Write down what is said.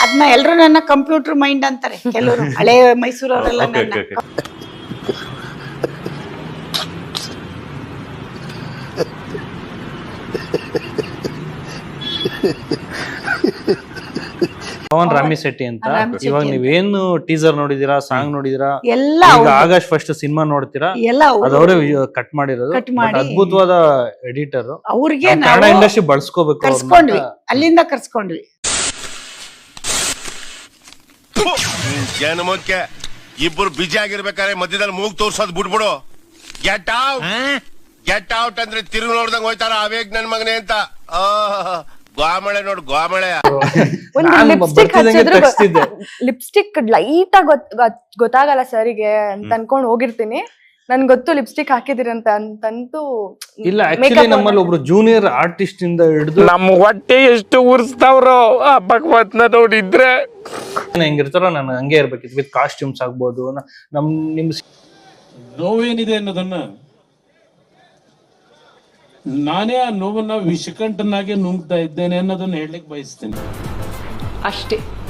ಅದನ್ನ ಎಲ್ರು ನನ್ನ ಕಂಪ್ಯೂಟರ್ ಮೈಂಡ್ ಅಂತಾರೆ ಕೆಲವರು, ಹಳೆ ಮೈಸೂರವರೆಲ್ಲ ನನ್ನ. ಪವನ್ ರಾಮಿ ಶೆಟ್ಟಿ ಅಂತ. ಇವಾಗ ನೀವೇನು ಟೀಸರ್ ನೋಡಿದೀರಾ, ಸಾಂಗ್ ನೋಡಿದೀರಾ, ಎಲ್ಲ ಈಗ ಆಗಸ್ಟ್ ಫಸ್ಟ್ ಸಿನಿಮಾ ನೋಡ್ತೀರಾ, ಎಲ್ಲ ಅದವರೇ ಕಟ್ ಮಾಡಿರೋದು. But ಅದ್ಭುತವಾದ ಎಡಿಟರ್, ಅವ್ರಿಗೆ ಕನ್ನಡ ಇಂಡಸ್ಟ್ರಿ ಬಳಸ್ಕೋಬೇಕು. ಕರ್ಸ್ಕೊಂಡ್ವಿ, ಅಲ್ಲಿಂದ ಕರ್ಸ್ಕೊಂಡ್ವಿ. ಜನಮಕ್ಕೆ ಇಬ್ಬರು ಬಿಜಿ ಆಗಿರ್ಬೇಕಾದ್ರೆ ಮಧ್ಯದಲ್ಲಿ ಮೂಗ್ ತೋರ್ಸೋದ್ ಬಿಟ್ಬಿಡು. ಗೆಟ್ ಔಟ್, ಗೆಟ್ ಔಟ್ ಅಂದ್ರೆ ತಿರುಗಿ ನೋಡ್ದಂಗ್ ಹೋಯ್ತಾರ ಅವೇಗ್ ನನ್ ಮಗನೆ ಅಂತ. ಗೋಮಳೆ ನೋಡು, ಗೋಮಳೆ. ಲಿಪ್ಸ್ಟಿಕ್ ಲೈಟ್ ಆಗಿ ಗೊತ್ತಾಗಲ್ಲ ಸರಿಗೆ ಅಂತ ಅನ್ಕೊಂಡ್ ಹೋಗಿರ್ತೀನಿ. ನನ್ ಗೊತ್ತು ಲಿಪ್ಸ್ಟಿಕ್ ಹಾಕಿದಿರಿ ಅಂತಂತೂ ಇಲ್ಲ. ಆಕ್ಚುಲಿ ನಮ್ಮಲ್ಲಿ ಒಬ್ರು ಜೂನಿಯರ್ ಆರ್ಟಿಸ್ಟ್ ಇಂದ ಹಿಡಿದು ನಮ್ಮ ಹೊಟ್ಟೆ ಎಷ್ಟು ಉರ್ಸ್ತಾವ್ರೋ ಆ ಭಗವತ್ನ ನೋಡಿದ್ರೆ ಹೆಂಗಿರ್ತಾರೋ ನಾನು ಹಂಗೆ ಇರ್ಬೇಕಿತ್ತು. ವಿತ್ ಕಾಸ್ಟ್ಯೂಮ್ಸ್ ಆಗ್ಬೋದು. ನಿಮ್ ನೋವೇನಿದೆ ಅನ್ನೋದನ್ನ ನಾನೇ ಆ ನೋವನ್ನ ವಿಷಕಂಠನಾಗೆ ನುಂಗ್ತಾ ಇದ್ದೇನೆ ಅನ್ನೋದನ್ನ ಹೇಳಲಿಕ್ಕೆ ಬಯಸ್ತೇನೆ ಅಷ್ಟೇ.